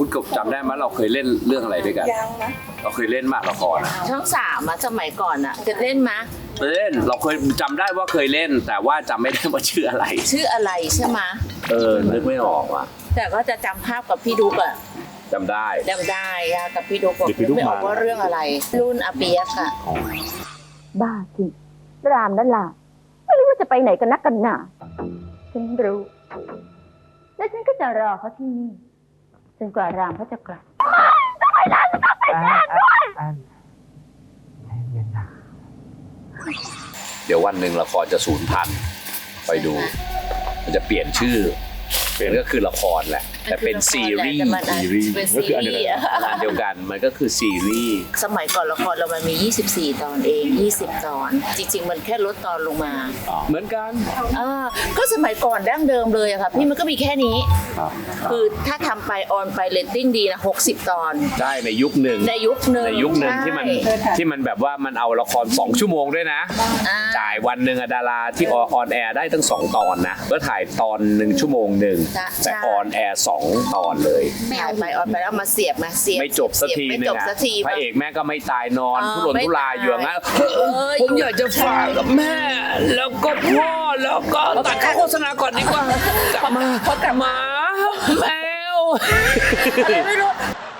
คุณกบจำได้ไหมเราเคยเล่นเรื่องอะไรด้วยกันยังนะเราเคยเล่นมากละครอะช่อง3อะสมัยก่อนอะจะเล่นมะเล่นเราเคยจำได้ว่าเคยเล่น แต่ว่าจำไม่ได้ว่าชื่ออะไรชื่ออะไรใช่ไหมะนึกไม่ออกว่ะแต่ก็จะจำภาพกับพี่ดุกอะจำได้จำได้อะกับพี่ดุกบอกเดี๋ยวพี่ดุ๊กไม่ออกมาว่าเรื่องอะไร รุ่นอาเปียกอะบ้าจริงรามนั่นล่ะไม่รู้ว่าจะไปไหนกันนักกันหนาฉันรู้ และฉันก็จะรอเขาที่นี่จนกว่ารามเขาจะกลับเดี๋ยววันหนึ่งละครจะสูญพันธุ์ไปดู มันจะเปลี่ยนชื่อเป็นก็คือละครแหละ แต่เป็นซีรีส์ซีรีส์เป็นก็ซีคืออันเดียวรีกันส์อะงานเดียวกันมันก็คือซีรีส์สมัยก่อนละครเรามันมี 24 ตอนเอง 20 ตอน จริง ๆ มันแค่ลดตอนลงมาเหมือนกันก็สมัยก่อนดั้งเดิมเลยอะค่ะพี่มันก็มีแค่นี้ คือถ้าทำไปออนไปเรตติ้งดีนะ60 ตอนใช่ในยุคหนึ่งในยุคหนึ่งในยุคหนึ่งใช่ที่มันแบบว่ามันเอาละคร2 ชั่วโมงด้วยนะอ่าจ่ายวันหนึ่งอะดาราที่ออนแอร์ได้ตั้ง2 ตอนนะก็ถ่ายตอน1 ชั่วโมงหนึ่งแต่ออนแอร์2 ตอนเลยถ่ายไปออนไปแล้วมาเสียบเสียบไม่จบสักทีไม่นึจงบอะสักทีพระเอกแม่ก็ไม่ตายนอนเออทุรนทุรายอยู่อย่างนั้นไม่ตายผมอยากจะฝากกับแม่ แล้วก็พ่อแล้วก็ตัดเข้าโฆษณาก่อนดีกว่ากลับมาหมาแมวอะไรไม่รู้